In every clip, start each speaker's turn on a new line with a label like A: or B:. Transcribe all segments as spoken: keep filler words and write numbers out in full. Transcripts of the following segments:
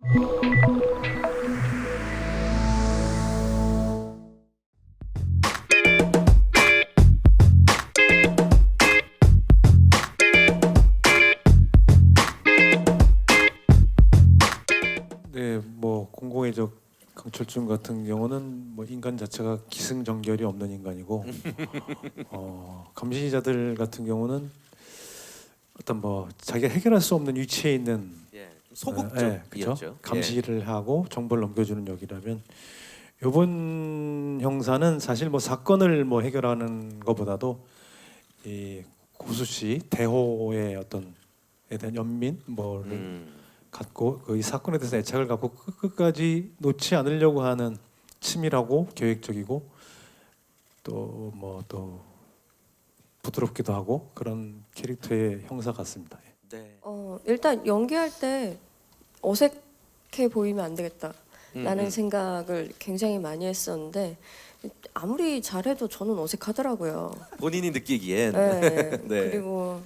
A: 네, 뭐 공공의적 강철중 같은 경우는 뭐 인간 자체가 기승전결이 없는 인간이고 어, 감시자들 같은 경우는 어떤 뭐 자기가 해결할 수 없는 위치에 있는
B: 예,
A: 예,
B: 소극적이었죠.
A: 그렇죠? 감시를 하고 정보를 넘겨주는 역이라면 이번 형사는 사실 뭐 사건을 뭐 해결하는 것보다도 이 고수 씨 대호의 어떤 에 대한 연민 뭐를
B: 음,
A: 갖고 그 이 사건에 대해서 애착을 갖고 끝- 끝까지 놓지 않으려고 하는 치밀하고 계획적이고 또 뭐 또 부드럽기도 하고 그런 캐릭터의 형사 같습니다.
B: 네.
C: 어, 일단 연기할 때 어색해 보이면 안 되겠다라는
B: 음, 음.
C: 생각을 굉장히 많이 했었는데 아무리 잘해도 저는 어색하더라고요.
B: 본인이 느끼기엔
C: 네.
B: 네.
C: 그리고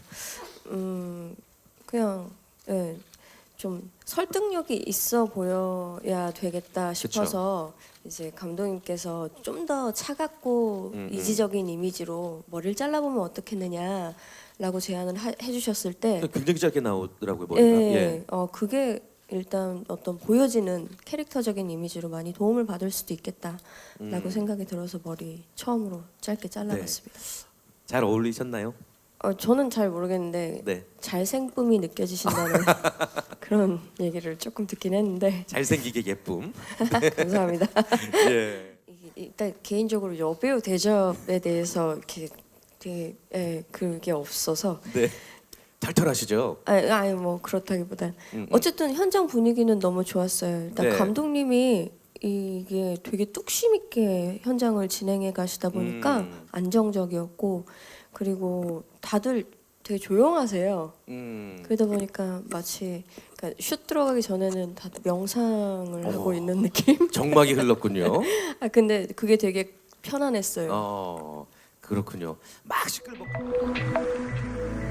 C: 음 그냥 네, 좀 설득력이 있어 보여야 되겠다 싶어서 이제 감독님께서 좀 더 차갑고
B: 음, 음.
C: 이지적인 이미지로 머리를 잘라보면 어떻겠느냐라고 제안을 하, 해주셨을 때
B: 굉장히 짧게 나오더라고요 머리가.
C: 예,
B: 예.
C: 어 그게 일단 어떤 보여지는 캐릭터적인 이미지로 많이 도움을 받을 수도 있겠다라고
B: 음.
C: 생각이 들어서 머리 처음으로 짧게 잘라봤습니다.
B: 잘 어울리셨나요?
C: 어 저는 잘 모르겠는데
B: 네.
C: 잘생쁨이 느껴지신다는 그런 얘기를 조금 듣긴 했는데
B: 잘생기게 예쁨.
C: 감사합니다.
B: 예.
C: 이게 일단 개인적으로 여배우 대접에 대해서 이렇게 되게 예, 그게 없어서
B: 네. 털털하시죠.
C: 아니, 아니 뭐 그렇다기보단
B: 음, 음.
C: 어쨌든 현장 분위기는 너무 좋았어요. 일단
B: 네.
C: 감독님이 이게 되게 뚝심 있게 현장을 진행해 가시다 보니까
B: 음.
C: 안정적이었고 그리고 다들 되게 조용하세요.
B: 음.
C: 그러다 보니까 마치 그러니까 슛 들어가기 전에는 다들 명상을 하고
B: 어머.
C: 있는 느낌?
B: 정막이 흘렀군요.
C: 아 근데 그게 되게 편안했어요.
B: 어, 그렇군요. 막 시끌벅.